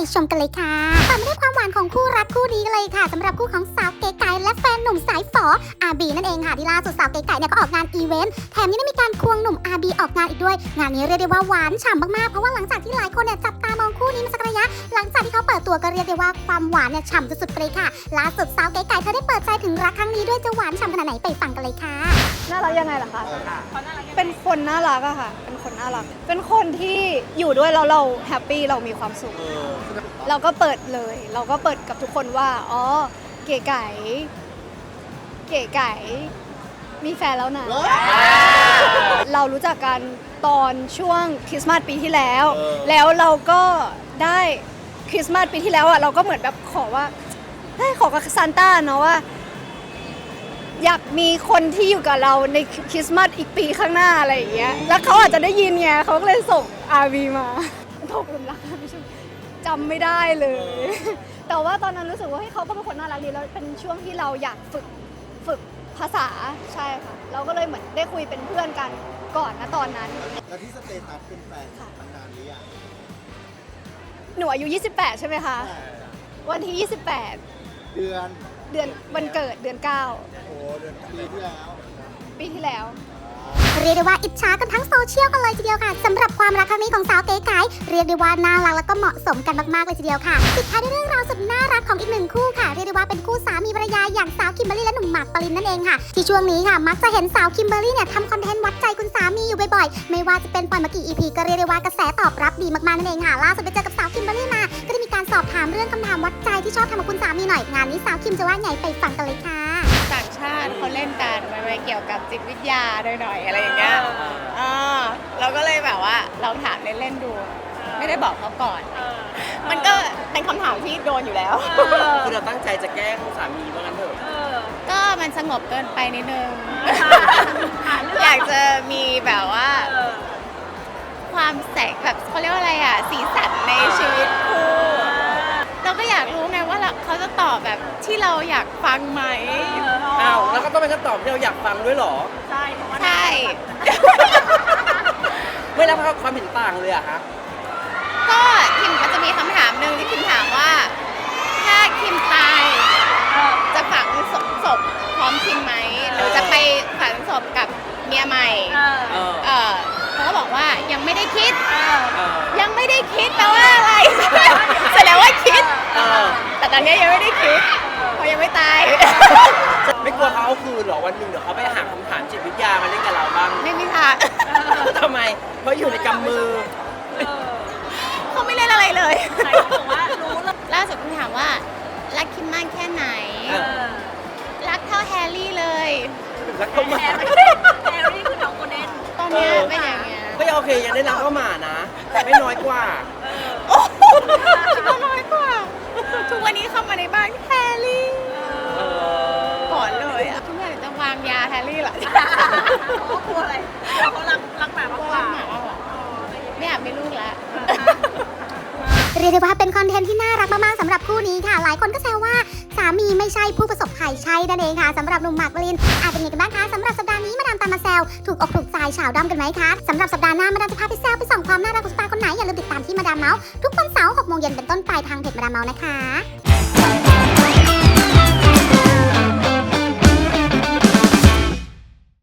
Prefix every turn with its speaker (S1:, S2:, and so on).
S1: ชมกันเลยค่ะต่อมาด้วยความหวานของคู่รักคู่นี้กันเลยค่ะสำหรับคู่ของสาวเก๋ไก่และแฟนหนุ่มสายฝออาบีนั่นเองค่ะที่ล่าสุดสาวเก๋ไก่เนี่ยก็ออกงานอีเวนต์แถมยังได้มีการควงหนุ่มอาบีออกงานอีกด้วยงานนี้เรียกได้ว่าหวานฉ่ำมากๆเพราะว่าหลังจากที่หลายคนเนี่ยจับตามองคู่นี้มาสักระยะหลังจากที่เขาเปิดตัวก็เรียกได้ว่าความหวานเนี่ยฉ่ำสุดๆไปเลยค่ะล่าสุดสาวเก๋ไก่เธอได้เปิดใจถึงรักครั้งนี้ด้วยจะหวานฉ่ำขนาดไหนไปฟังกันเลยค่ะ
S2: น่ารักยังไงล่ะคะเป็นคนน่ารักอะค่ะเป็นคนน่ารักเป็นคนที่อยู่ด้วยแล้วเราแฮปปี้เรามีความสุขเราก็เปิดเลยเราก็เปิดกับทุกคนว่าอ๋อเก๋ไก่มีแฟนแล้วนะเรารู้จักกันตอนช่วงคริสต์มาสปีที่แล้วแล้วเราก็ได้คริสต์มาสปีที่แล้วอะเราก็เหมือนแบบขอว่าขอกับซานต้าเนาะว่าอยากมีคนที่อยู่กับเราในคริสต์มาสอีกปีข้างหน้าอะไรอย่างเงี้ยแล้วเขาอาจจะได้ยินไงเขาก็เลยส่ง RV มาตกหลุมรักไม่ใช่จำไม่ได้เลย แต่ว่าตอนนั้นรู้สึกว่าเขาก็เป็นคนน่ารักดีแล้วเป็นช่วงที่เราอยากฝึกภาษาใช่ค่ะเราก็เลยเหมือนได้คุยเป็นเพื่อนกันก่อนนะตอนนั้น
S3: แล้วที่สเตตัสเป็นแฟนมานานหรือยัง
S2: หนูอายุ28ใช่ไหมคะวันที่28
S3: เดือน
S2: วันเกิดเดือน9
S3: โอ้เดือนปีที่แล้ว
S1: เรียกได้ว่าอิจฉากันทั้งโซเชียลกันเลยทีเดียวค่ะสำหรับความรักครั้งนี้ของสาวเก๋ไก๋เรียกได้ว่าน่ารักแล้วก็เหมาะสมกันมากๆเลยทีเดียวค่ะปิดท้ายด้วยเรื่องราวสุดน่ารักของอีกหนึ่งคู่ค่ะเรียกได้ว่าเป็นคู่สามีภรรยาอย่างสาวคิมเบอรรี่และหนุ่มหมากปรินนั่นเองค่ะที่ช่วงนี้ค่ะมักจะเห็นสาวคิมเบอรรี่เนี่ยทำคอนเทนต์วัดใจคุณสามีอยู่บ่อยๆไม่ว่าจะเป็นปล่อยมากี่ EP ก็เรียกได้ว่ากระแสตอบรับดีมากๆนั่นเองค่ะล่าสุดไปเจอกับสาวคิมเบอรรี่มาก็ได้มีการสอบถามเรื่องคำถามวัดใจที่ชอบทำกับคุณสามีหน่อยงานนี้สาวคิมจะว่าไงไปฟังกันเลยค่ะ
S4: ต่างชาติเขาเล่นกันมันเกี่ยวกับจิตวิทยาหน่อยๆอะไรอย่างเงี้ยเราก็เลยแบบว่าลองถามเล่นๆดูไม่ได้บอกเขาก่อนมันก็เป็นคำถามที่โดนอยู่แล้ว
S5: คือเราตั้งใจจะแกล้งสามีว่างั้นเถอะ
S4: ก็มันสงบเกินไปนิดนึงอยากจะมีแบบว่าความแสงแบบเขาเรียกว่าอะไรอ่ะสีสันในชีวิตคู่เราก็อยากรู้ไงว่าเขาจะตอบแบบที่เราอยากฟังไหม
S5: อ้าวแล้วก็ต้องเป็นคำตอบที่เราอยากฟังด้วยเหรอ
S4: ใช่
S5: ไม่รับความเห็นต่างเลยอะฮะ
S4: ก็คิมมันจะมีคำถามหนึ่งที่คิมถามว่าถ้าคิมตายจะฝังศพพร้อมคิมไหมหรือจะไปฝังศพกับเมียใหม่เขาก็บอกว่ายังไม่ได้คิดยังไม่ได้คิดแปลว่าอะไรแสดงว่าคิดแต่ตอนนี้ยังไม่ได้คิดเพราะยังไม่ตาย
S5: ไม่กลัวเขาเอาคืนหรอวันหนึ่งเดี๋ยวเขาไปหาคำถามจิตวิทยามาเล่นกับเราบ้าง
S4: ไม่มีค่ะ
S5: ทำไมเพราะอยู่ในกำมือ
S4: เขาไม่เล่นอะไรเลยล่าสุดคุณถามว่ารักคิมมากแค่ไหนรักเท่าแฮร์รี่เลย
S5: รักก็หมา
S4: แฮร์รี่คือน้องโกลเด้นตอนนี้เป็นอย่างเงี้ย
S5: ก็ยังโอเคยังได้รักก็หมานะแต่ไม่น้อยกว่า
S4: ก็น้อยกว่าทุกวันนี้เข้ามาในบ้านแฮร์รี่ก่อนเลยอ่ะทุกอย่างจะวางยาแฮร์รี่เหรอ
S2: เขากลัวอะไรเขารักหมามากกว่า
S4: ไม่อยากมีลูกแล้ว
S1: เรียกได้ว่าเป็นคอนเทนต์ที่น่ารักมากๆสำหรับคู่นี้ค่ะหลายคนก็แซวว่าสามีไม่ใช่ผู้ประสบภัยใช่นั่นเองค่ะสำหรับหนุ่มหมากปรินเป็นยังไงกันบ้างคะสำหรับสัปดาห์นี้มาดามตามมาแซวถูกอกถูกใจชาวด้อมกันไหมคะสำหรับสัปดาห์หน้ามาดามจะพาไปแซวไปส่องความน่ารักของสตาร์คนไหนอย่าลืมติดตามที่มาดามเมาส์ทุกวันเสาร์ 6 โมงเย็นเป็นต้นไปทางเพจมาดามเมาส์นะคะ